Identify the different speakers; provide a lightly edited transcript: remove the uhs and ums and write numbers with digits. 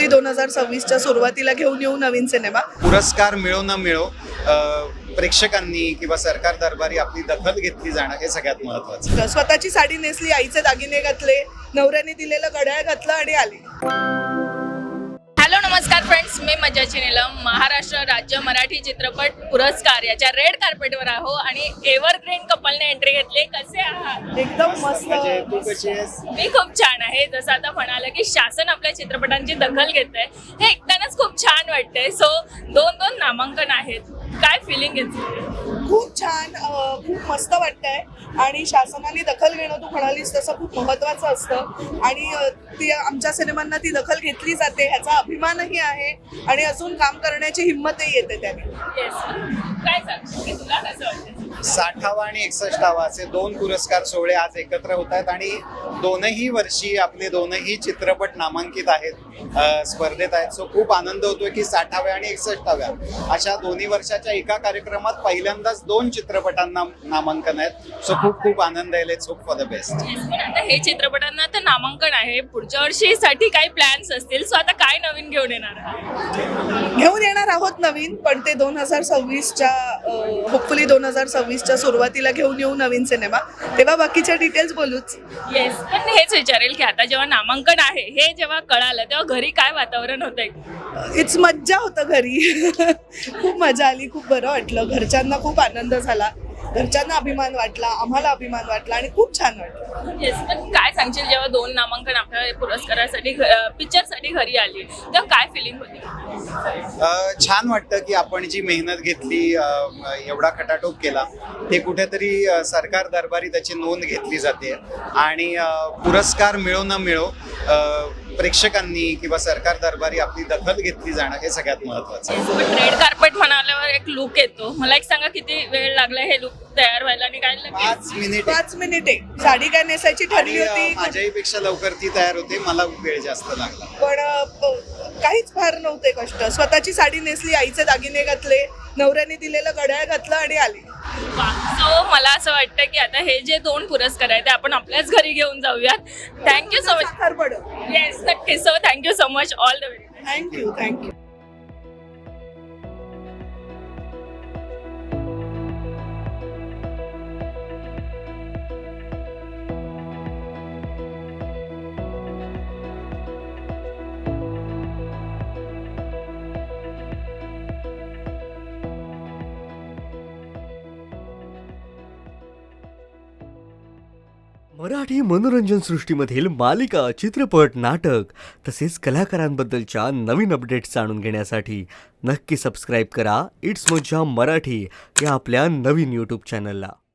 Speaker 1: 2026च्या सुरुवातीला घेऊन येऊ नवीन सिनेमा.
Speaker 2: पुरस्कार मिळो न मिळो प्रेक्षकांनी किंवा सरकार दरबारी आपली दखल घेतली जाणं हे सगळ्यात महत्त्वाचं.
Speaker 1: स्वतःची साडी नेसली, आईचे दागिने घातले, नवऱ्याने दिलेलं घड्याळ घातलं आणि आली.
Speaker 3: हॅलो नमस्कार फ्रेंड्स, मी मज्जाची नीलम. महाराष्ट्र राज्य मराठी चित्रपट पुरस्कार याच्या रेड कार्पेटवर आहो आणि एव्हरग्रीन कपलने एंट्री घेतली. कसे आहात?
Speaker 1: एकदम मस्त.
Speaker 2: तू कशी आहेस?
Speaker 3: मी खूप छान आहे. जसं आता म्हणालं की शासन आपल्या चित्रपटांची दखल घेतंय, हे ऐकतानाच खूप छान वाटतंय. सो दोन नामांकन आहेत, काय फिलिंग येते?
Speaker 1: खूप छान, खूप मस्त वाटतंय. आणि शासनाने दखल घेणं, तू म्हणालीस तसं, खूप महत्त्वाचं असतं. आणि ती आमच्या सिनेमांना ती दखल घेतली जाते ह्याचा अभिमानही आहे आणि अजून काम करण्याची हिंमतही येते त्याने.
Speaker 3: काय सांगशील की तुला कसं वाटतं?
Speaker 2: 60वा आणि 61वा असे दोन पुरस्कार सोहळे आज एकत्र होत आहेत आणि दोनही वर्षी आपले दोनही चित्रपट नामांकित आहेत, स्पर्धेत आहेत. सो खूप आनंद होतोय की 60व्या आणि 61व्या अशा दोन्ही वर्षाच्या एका कार्यक्रमात पहिल्यांदाच दोन चित्रपटांना नामांकन आहेत. सो खूप खूप आनंद आहे. Let's hope for the best.
Speaker 3: पण आता हे चित्रपटांना तर नामांकन आहे, पुढच्या वर्षीसाठी काही प्लॅन्स असतील. सो आता काय नवीन घेऊन येणार आहात?
Speaker 1: घेऊन येणार आहोत नवीन, पण ते 2026च्या होपफुली 2026च्या सुरुवातीला घेऊन येऊ नवीन सिनेमा, तेव्हा बाकीच्या डिटेल्स बोलूच.
Speaker 3: येस, पण हेच विचारेल की आता जेव्हा नामांकन आहे हे जेव्हा कळालं तेव्हा घरी काय वातावरण होतंय?
Speaker 1: इट्स मज्जा होतं घरी. खूप मजा आली, खूप बरं वाटलं, घरच्यांना खूप आनंद झाला, घरच्यांना अभिमान वाटला, आम्हाला अभिमान वाटला आणि खूप छान वाटलं.
Speaker 3: येस, पण काय सांगशील जेव्हा दोन नामांकन आपल्या पुरस्कारासाठी पिक्चरसाठी घरी आली तेव्हा काय फिलिंग होती?
Speaker 2: छान वाटतं की आपण जी मेहनत घेतली, एवढा खटाटोप केला, ते कुठेतरी सरकार दरबारी त्याची नोंद घेतली जाते. आणि पुरस्कार मिळो न मिळो प्रेक्षकांनी किंवा सरकार दरबारी आपली दखल घेतली जाणं हे सगळ्यात महत्त्वाचं.
Speaker 3: पण रेड कार्पेट म्हणाल्यावर एक लुक येतो. मला एक सांगा, किती वेळ लागला हे लुक तयार व्हायला आणि काय लागलं?
Speaker 1: 5 मिनिटे. साडी काय नेसायची ठरली होती,
Speaker 2: माझ्याही पेक्षा लवकर ती तयार होते, मला वेळ जास्त लागला.
Speaker 1: पण काहीच फार नव्हते कष्ट. स्वतःची साडी नेसली, आईचे दागिने घातले, नवऱ्याने दिलेलं घड्याळ घातलं आणि आली.
Speaker 3: सो मला असं वाटतं की आता हे जे दोन पुरस्कार आहेत ते आपण आपल्याच घरी घेऊन जाऊयात. Thank you so much. येस, नक्की. So thank you so much. All the way.
Speaker 1: Thank you.
Speaker 4: Marathi मनोरंजन सृष्टीमधील मालिका, चित्रपट, नाटक तसेच कलाकारांबद्दलच्या नवीन अपडेट्स जाणून घेण्यासाठी नक्की सबस्क्राईब करा इट्स मज्जा मराठी या आपल्या नवीन यूट्यूब चॅनलला.